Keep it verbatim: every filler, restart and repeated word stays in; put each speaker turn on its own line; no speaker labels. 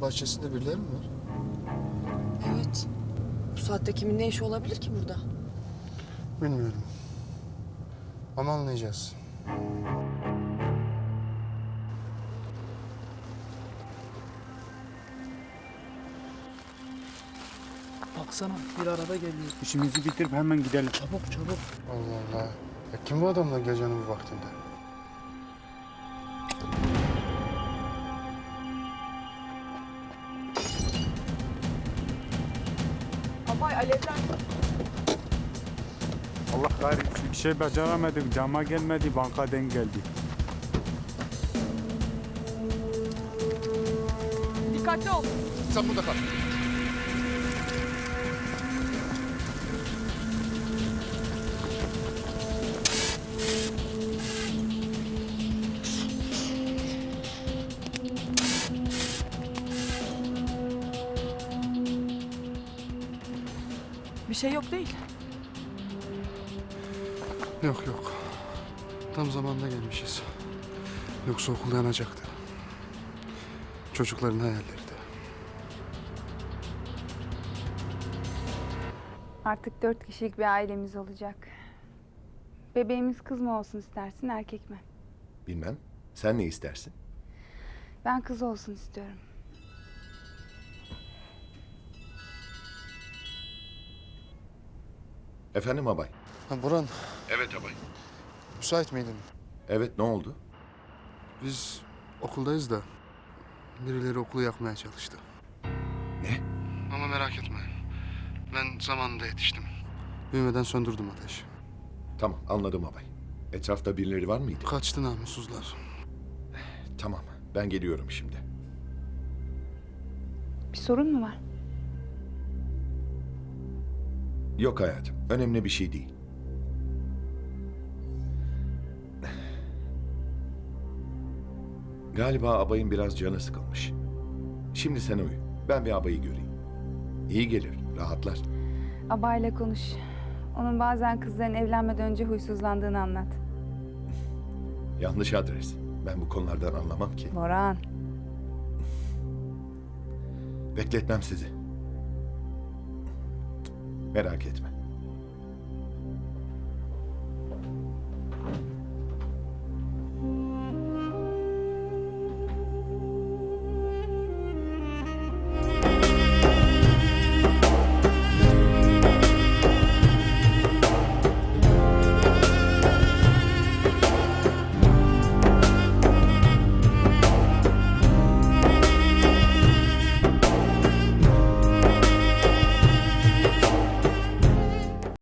bahçesinde birileri mi var?
Evet. Bu saatte kimin ne işi olabilir ki burada?
Bilmiyorum. Ama anlayacağız.
Baksana bir araba geliyor. İşimizi bitirip hemen gidelim. Çabuk çabuk.
Allah Allah. Ya kim bu adamlar gecenin bu vaktinde?
Abay alevler.
Allah kahretsin. Bir şey beceremedik. Cama gelmedi, bankadan geldi.
Dikkatli ol.
Sen burada kal.
Bir şey yok değil.
Yok yok. Tam zamanında gelmişiz. Yoksa okul yanacaktı. Çocukların hayalleri de.
Artık dört kişilik bir ailemiz olacak. Bebeğimiz kız mı olsun istersin, erkek mi?
Bilmem. Sen ne istersin?
Ben kız olsun istiyorum.
Efendim abay.
Ha Burhan,
Evet abay.
müsait miydin?
Evet, ne oldu?
Biz okuldayız da birileri okulu yakmaya çalıştı.
Ne?
Ama merak etme. Ben zamanında yetiştim. Büyümeden söndürdüm ateşi.
Tamam, anladım abay. Etrafta birileri var mıydı?
Kaçtı namussuzlar.
Tamam, ben geliyorum şimdi.
Bir sorun mu var?
Yok hayatım, önemli bir şey değil. Galiba abayın biraz canı sıkılmış. Şimdi sen uyu. Ben bir abayı göreyim. İyi gelir, rahatlar.
Abayla konuş. Onun bazen kızların evlenmeden önce huysuzlandığını anlat.
Yanlış adres. Ben bu konulardan anlamam ki.
Boran.
Bekletmem sizi. Merak etme.